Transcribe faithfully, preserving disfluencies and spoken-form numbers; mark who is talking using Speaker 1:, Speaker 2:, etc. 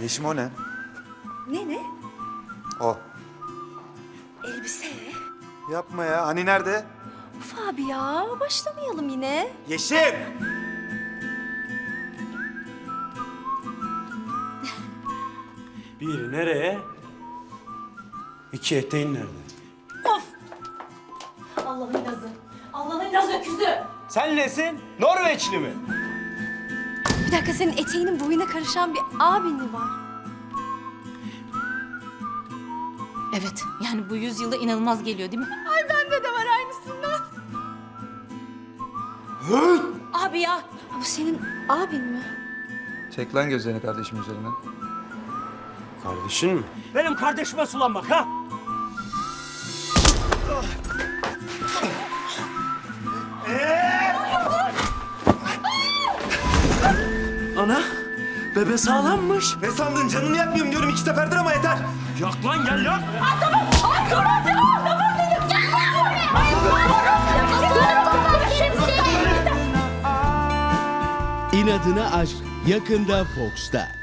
Speaker 1: Yeşim o ne?
Speaker 2: Ne ne?
Speaker 1: O.
Speaker 2: Elbise.
Speaker 1: Yapma ya. Hani nerede?
Speaker 2: Uf abi ya, başlamayalım yine.
Speaker 1: Yeşim!
Speaker 3: Bir nereye? İki eteğin nerede?
Speaker 2: Of! Allah'ın lazı. Allah'ın laz öküzü.
Speaker 3: Sen nesin? Norveçli mi?
Speaker 2: Bir dakika, senin eteğinin boyuna karışan bir abin mi var?
Speaker 4: Evet, yani bu yüzyılda inanılmaz geliyor değil mi?
Speaker 2: Ay bende de var aynısından.
Speaker 4: Abi ya,
Speaker 2: Bu senin abin mi?
Speaker 1: Çek lan gözlerini kardeşim üzerinden.
Speaker 3: Kardeşin mi? Benim kardeşime sulanmak ha? Ana, bebe sağlammış.
Speaker 1: Ne sandın? Canını yakmıyorum diyorum iki seferdir ama yeter.
Speaker 3: Yak lan gel yak.
Speaker 5: İnadına Aşk yakında Fox'ta.